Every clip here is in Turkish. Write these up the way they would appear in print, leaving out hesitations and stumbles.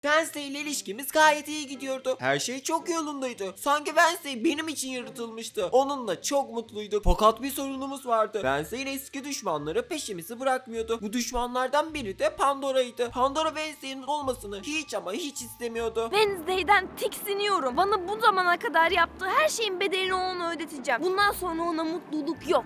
Wednesday ile ilişkimiz gayet iyi gidiyordu. Her şey çok yolundaydı. Sanki Wednesday benim için yaratılmıştı. Onunla çok mutluyduk. Fakat bir sorunumuz vardı. Wednesday'in eski düşmanları peşimizi bırakmıyordu. Bu düşmanlardan biri de Pandora'ydı. Pandora Wednesday'in olmasını hiç ama hiç istemiyordu. Wednesday'den tiksiniyorum. Bana bu zamana kadar yaptığı her şeyin bedelini ona ödeteceğim. Bundan sonra ona mutluluk yok.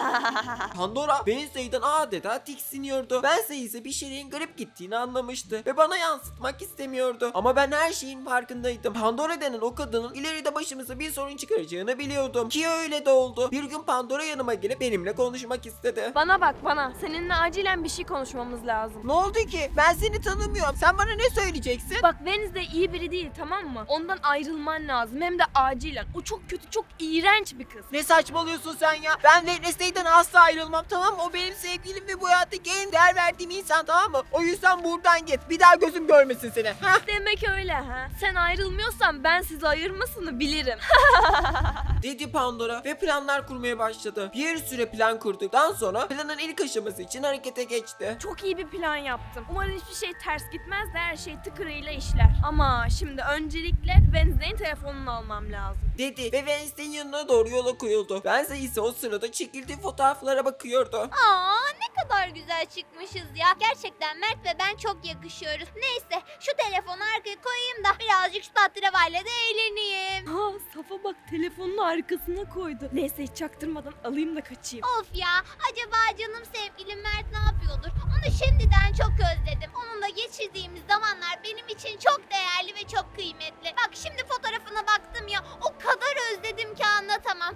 Pandora Wednesday'den adeta tiksiniyordu. Wednesday ise bir şeylerin garip gittiğini anlamıştı ve bana yansıtmak istemiyordu. Ama ben her şeyin farkındaydım. Pandora denen o kadının ileride başımıza bir sorun çıkaracağını biliyordum. Ki öyle de oldu. Bir gün Pandora yanıma gelip benimle konuşmak istedi. Bana bak bana. Seninle acilen bir şey konuşmamız lazım. Ne oldu ki? Ben seni tanımıyorum. Sen bana ne söyleyeceksin? Bak Wednesday iyi biri değil, tamam mı? Ondan ayrılman lazım, hem de acilen. O çok kötü, çok iğrenç bir kız. Ne saçmalıyorsun sen ya? Ben Wednesday'den asla ayrılmam, tamam mı? O benim sevgilim ve bu hayattaki en değer verdiğim insan, tamam mı? O yüzden buradan git. Bir daha gözüm görmesin seni. Hah? Demek öyle ha. Sen ayrılmıyorsan ben sizi ayırmasını bilirim. Dedi Pandora ve planlar kurmaya başladı. Bir süre plan kurduktan sonra planın ilk aşaması için harekete geçti. Çok iyi bir plan yaptım. Umarım hiçbir şey ters gitmez de her şey tıkırıyla işler. Ama şimdi öncelikle Wednesday'in telefonunu almam lazım. Dedi ve Wednesday'in yanına doğru yola koyuldu. Wednesday ise o sırada çekildiği fotoğraflara bakıyordu. Aa, ne kadar güzel çıkmışız ya. Gerçekten Mert ve ben çok yakışıyoruz. Neyse, şu telefonu arkaya koyayım da birazcık şu tatlavalyla da eğleneyim. Ha, Safa bak telefonun arkasına koydu. Neyse hiç çaktırmadan alayım da kaçayım. Of ya, acaba canım sevgilim Mert ne yapıyordur? Onu şimdiden çok özledim. Onunla geçirdiğimiz zamanlar benim için çok değerli ve çok kıymetli. Bak şimdi fotoğrafına baktım ya, o kadar özledim ki anlatamam.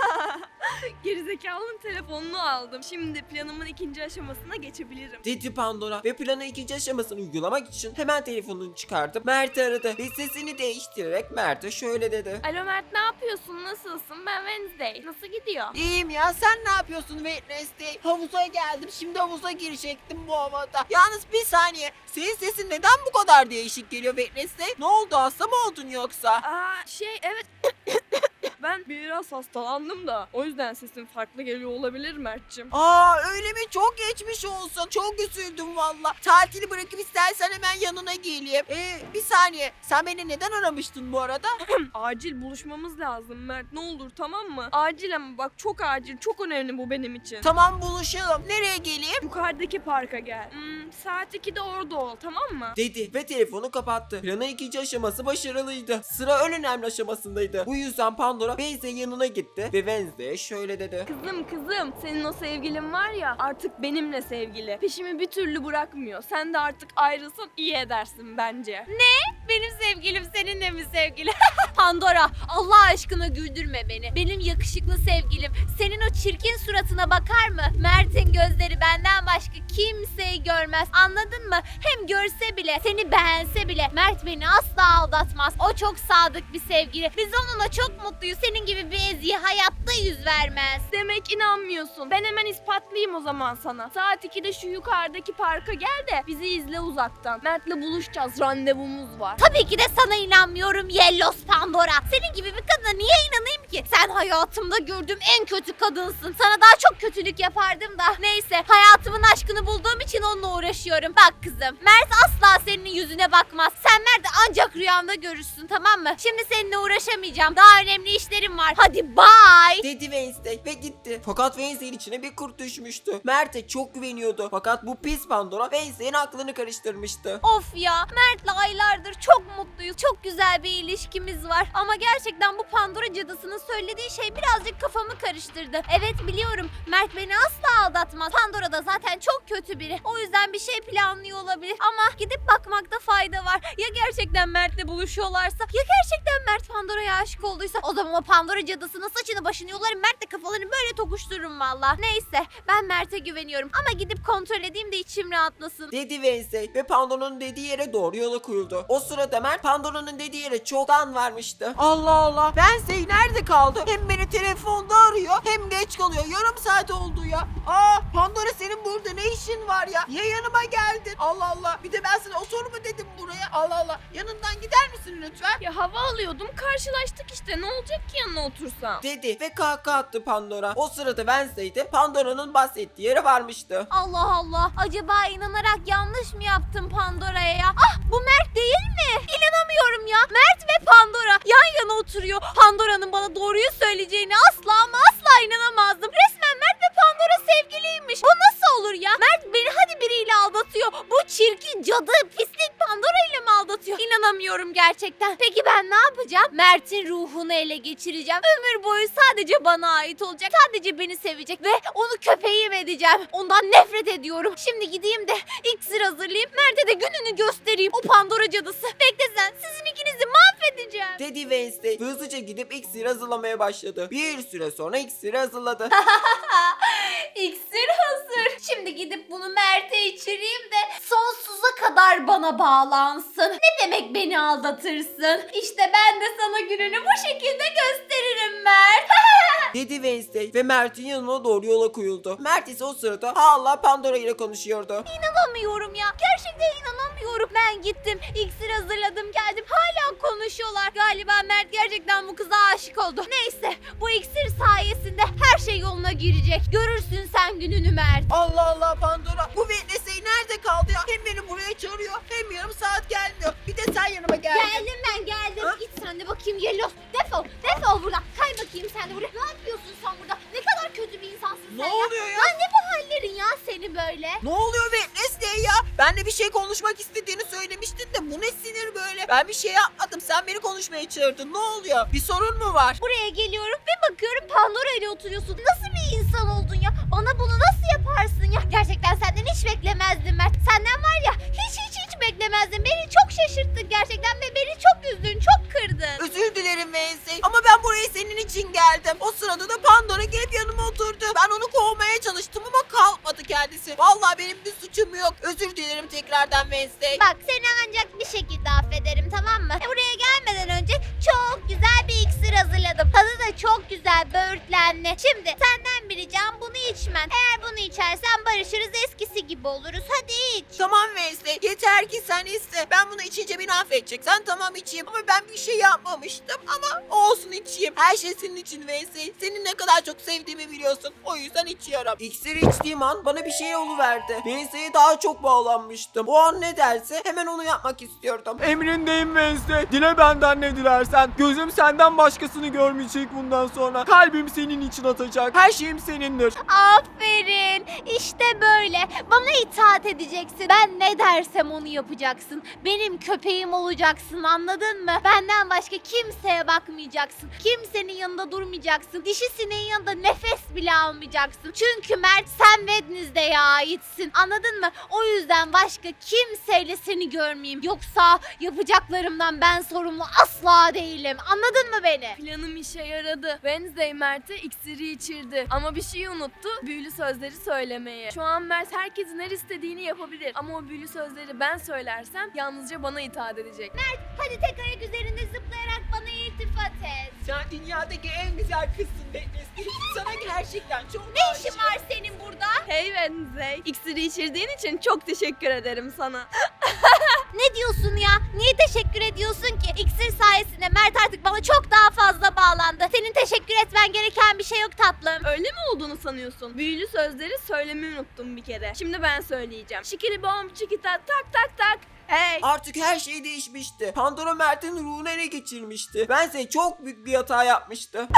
Gerizekalının telefonunu aldım. Şimdi planımın ikinci aşamasına geçebilirim. Dedi Pandora ve planın ikinci aşamasını uygulamak için hemen telefonunu çıkartıp Mert'i aradı ve sesini değiştirerek Mert'e şöyle dedi. Alo Mert, ne yapıyorsun? Nasılsın? Ben Wednesday. Nasıl gidiyor? İyiyim ya, sen ne yapıyorsun Wednesday? Havuza geldim, şimdi havuza girecektim bu havada. Yalnız bir saniye, senin sesin neden bu kadar değişik geliyor Wednesday? Ne oldu, hasta mı oldun yoksa? Evet. Ben biraz hastalandım da o yüzden sesim farklı geliyor olabilir Mert'cim. Öyle mi? Çok geçmiş olsun. Çok üzüldüm valla. Tatili bırakıp istersen hemen yanına geleyim. Bir saniye. Sen beni neden aramıştın bu arada? Acil buluşmamız lazım Mert, ne olur, tamam mı? Acil ama bak, çok acil, çok önemli bu benim için. Tamam, buluşalım. Nereye geleyim? Yukarıdaki parka gel. Saat 2'de orada ol, tamam mı? Dedi ve telefonu kapattı. Planın ikinci aşaması başarılıydı. Sıra en önemli aşamasındaydı. Bu yüzden Pandora Wednesday'in yanına gitti ve Wednesday'e şöyle dedi. Kızım, senin o sevgilin var ya, artık benimle sevgili. Peşimi bir türlü bırakmıyor. Sen de artık ayrılsan iyi edersin bence. Benim sevgilim seninle mi sevgili? Pandora, Allah aşkına güldürme beni. Benim yakışıklı sevgilim senin o çirkin suratına bakar mı? Mert'in gözleri benden başka kimseyi görmez. Anladın mı? Hem görse bile, seni beğense bile Mert beni asla aldatmaz. O çok sadık bir sevgili. Biz onunla çok mutluyuz. Senin gibi bir eziğe hayatta yüz vermez. Demek inanmıyorsun. Ben hemen ispatlayayım o zaman sana. Saat 2'de şu yukarıdaki parka gel de bizi izle uzaktan. Mert'le buluşacağız. Randevumuz var. Tabii ki de sana inanmıyorum Yellos Pandora. Senin gibi bir kadına niye inanayım ki? Sen hayatımda gördüğüm en kötü kadınsın. Sana daha çok kötülük yapardım da. Neyse, hayatımın aşkını bulduğum için onunla uğraşıyorum. Bak kızım, Mert asla senin yüzüne bakmaz. Sen Mert'i ancak rüyanda görürsün, tamam mı? Şimdi seninle uğraşamayacağım. Daha önemli işlerim var. Hadi bye. Dedi Wednesday ve gitti. Fakat Wednesday'in içine bir kurt düşmüştü. Mert'e çok güveniyordu. Fakat bu pis Pandora Wednesday'in aklını karıştırmıştı. Of ya, Mert'le aylardır çok mutluyuz. Çok güzel bir ilişkimiz var. Ama gerçekten bu Pandora cadısının söylediği şey birazcık kafamı karıştırdı. Evet biliyorum, Mert beni asla aldatmaz. Pandora da zaten çok kötü biri. O yüzden bir şey planlıyor olabilir. Ama gidip bakmakta fayda var. Ya gerçekten Mert'le buluşuyorlarsa? Ya gerçekten Mert Pandora'ya aşık olduysa? O zaman o Pandora cadısının saçını başını yolarım. Mert'le kafalarını böyle tokuştururum valla. Neyse, ben Mert'e güveniyorum. Ama gidip kontrol edeyim de içim rahatlasın. Dedi Wednesday ve Pandora'nın dediği yere doğru yola koyuldu. O sırada Mert Pandora'nın dediği yere çoktan varmıştı. Allah Allah, Wednesday nerede kaldı? Hem beni telefonda arıyor hem geç kalıyor. Yarım saat oldu ya. Pandora, senin burada ne işin var ya? Niye yanıma geldin? Allah Allah, bir de ben sana otur mu dedim buraya? Allah Allah, yanından gider misin misin lütfen? Ya hava alıyordum, karşılaştık işte, ne olacak ki yanına otursam? dedi ve kahkaha attı Pandora. O sırada Wednesday de Pandora'nın bahsettiği yere varmıştı. Allah Allah. Acaba inanarak yanlış mı yaptım Pandora'ya ya? Ah, bu Mert değil mi? İnanamıyorum ya. Mert ve Pandora yan yana oturuyor. Pandora'nın bana doğruyu söyleyeceğine asla ama asla inanamazdım. Resmen Mert ve Pandora sevgiliymiş. Bu nasıl olur ya? Mert beni hadi biriyle aldatıyor. Bu çirkin cadı pislik Pandora ile mi aldatıyor? İnanamıyorum gerçekten. Peki ben ne yapacağım? Mert'in ruhunu ele geçireceğim. Ömür boyu sadece bana ait olacak. Sadece beni sevecek ve onu köpeğim edeceğim. Ondan nefret ediyorum. Şimdi gideyim de iksir hazırlayayım. Mert'e de gününü göstereyim. O Pandora cadısı. Bekle sen. Sizin ikinizi mahvedeceğim. Dedi Wednesday hızlıca gidip iksir hazırlamaya başladı. Bir süre sonra iksiri hazırladı. İksir hazır. Şimdi gidip bunu Mert'e içireyim de sonsuza kadar bana bağlansın. Ne demek beni aldatırsın? İşte ben de sana gününü bu şekilde gösteririm Mert. dedi Wednesday ve Mert'in yanına doğru yola koyuldu. Mert ise o sırada hala Pandora ile konuşuyordu. İnanamıyorum ya. Gerçekten inanamıyorum. Ben gittim. İksir hazırladım geldim. Hala konuşuyorlar. Galiba Mert gerçekten bu kıza aşık oldu. Neyse bu iksir sayesinde her şey yoluna girecek. Görürsün sen gününü Mert. Allah Allah Pandora. Bu Wednesday nerede kaldı ya? Hem beni buraya çağırıyor hem yarım saat gelmiyor. Bir de sen yanıma gel. Geldim ben geldim. Ha? Git sen de bakayım Yelloz. Defol. Defol buradan. Kay bakayım sen de buraya. Ne yapıyorsun sen burada? Ne kadar kötü bir insansın Ne sen oluyor ya? ya? Ne bu hallerin ya seni böyle? Ne oluyor Wednesday ya? Benle bir şey konuşmak istediğini söylemiştin de bu ne sinir böyle? Ben bir şey yapmadım. Sen beni konuşmaya çağırdın. Ne oluyor? Bir sorun mu var? Buraya geliyorum ve bakıyorum Pandora ile oturuyorsun. Nasıl bir insan oldun ya? Bana bunu nasıl yaparsın ya? Gerçekten senden hiç beklemezdim Mert. Senden var ya hiç beklemezdim. Beni çok şaşırttın gerçekten ve beni çok üzdün, çok kırdın. Özür dilerim Wednesday. Ama ben buraya senin için geldim. O sırada da Pandora gelip yanıma oturdu. Ben onu kovmaya çalıştım ama kalkmadı kendisi. Vallahi benim bir suçum yok. Özür dilerim tekrardan Wednesday. Bak seni ancak bir şekilde affederim tamam mı? Buraya gelmeden önce çok güzel bir iksir hazırladım. Tadı da çok güzel, böğürtlenli. Şimdi senden bir ricam bunu içmen. Eğer bunu içersen barışırız, eskisi gibi oluruz. Hadi iç. Tamam Wednesday. Yeter ki sen iste. Ben bunu içince beni affedeceksen tamam içeyim. Ama ben bir şey yapmamıştım. Ama olsun içeyim. Her şey senin için Wednesday. Seni ne kadar çok sevdiğimi biliyorsun. O yüzden içiyorum. İksiri içtiğim an bana bir şey oluverdi. Wednesday'e daha çok bağlanmıştım. O an ne derse hemen onu yapmak istiyordum. Emrindeyim Wednesday. Dile benden ne dilersen. Gözüm senden başkasını görmeyecek bundan sonra. Kalbim senin için atacak. Her şeyim senindir. Aferin. İşte böyle. Bana itaat edeceksin. Ben ne dersem onu yapacaksın. Benim köpeğim olacaksın anladın mı? Benden başka kimseye bakmayacaksın. Kimsenin yanında durmayacaksın. Dişisinin yanında nefes bile almayacaksın. Çünkü Mert sen Wednesday'e aitsin. Anladın mı? O yüzden başka kimseyle seni görmeyeyim. Yoksa yapacaklarımdan ben sorumlu asla değilim. Anladın mı beni? Planım işe yaradı. Wednesday Mert'e iksiri içirdi. Ama bir şey unuttu. Büyülü sözleri söylemeye. Şu an Mert herkesin her istediğini yapabilir. Ama o büyülü sözleri ben söylersem yalnızca bana itaat edecek. Hadi tek ayak üzerinde zıplayarak bana iltifat et. Sen dünyadaki en güzel kızsın Wednesday. Sana gerçekten çok Ne işin var senin burada? Hey Wednesday. İksiri içirdiğin için çok teşekkür ederim sana. Ne diyorsun ya? Niye teşekkür ediyorsun ki? İksir sayesinde Mert artık bana çok daha fazla bağlandı. Senin teşekkür etmen gereken bir şey yok tatlım. Öyle mi olduğunu sanıyorsun? Büyülü sözleri söylemeyi unuttum bir kere. Şimdi ben söyleyeceğim. Şikili bom çikita tak tak tak. Hey. Artık her şey değişmişti. Pandora Mert'in ruhunu ele geçirmişti. Wednesday çok büyük bir hata yapmıştı.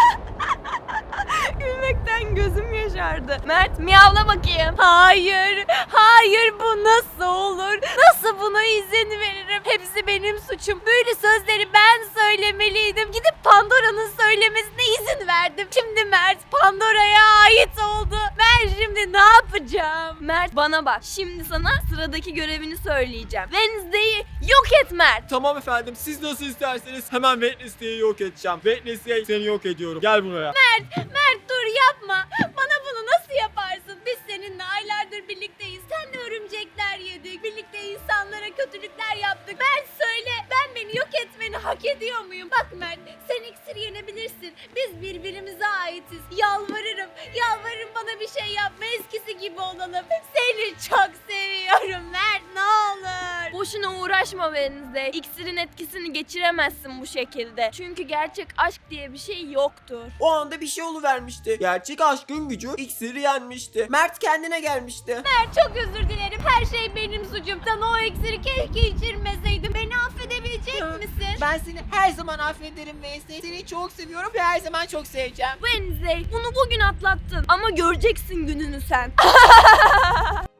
Gülmekten gözüm yaşardı. Mert miyavla bakayım. Hayır bu nasıl olur? Nasıl buna izin veririm? Hepsi benim suçum. Böyle sözleri ben söylemeliydim. Gidip Pandora'nın söylemesine izin verdim. Şimdi Mert Pandora'ya ait oldu. Ben şimdi ne yapacağım? Mert bana bak. Şimdi sana sıradaki görevini söyleyeceğim. Wednesday'i yok et Mert. Tamam efendim. Siz nasıl isterseniz hemen Wednesday'i yok edeceğim. Wednesday seni yok ediyorum. Gel buraya. Mert dur yapma. Bana bunu nasıl yaparsın? Biz seninle aylardır birlikteyiz. Seninle örümcekler yedik. Birlikte insanlara kötülükler yaptık. Mert söyle ben beni yok etmeni hak ediyor muyum? Bak Mert sen iksir yenebilirsin. Biz birbirimize aitiz. Yalvarırım bana bir şey yapma. Eskisi gibi olalım. Seni çok seviyorum Mert ne olur. Boşuna uğraş uğraşma Wednesday. İksirin etkisini geçiremezsin bu şekilde. Çünkü gerçek aşk diye bir şey yoktur. O anda bir şey oluvermişti. Gerçek aşkın gücü iksiri yenmişti. Mert kendine gelmişti. Çok özür dilerim. Her şey benim suçum. Sana o iksiri keşke içirmeseydim. Beni affedebilecek misin? Ben seni her zaman affederim Wednesday. Seni çok seviyorum ve her zaman çok seveceğim. Wednesday, bunu bugün atlattın ama göreceksin gününü sen.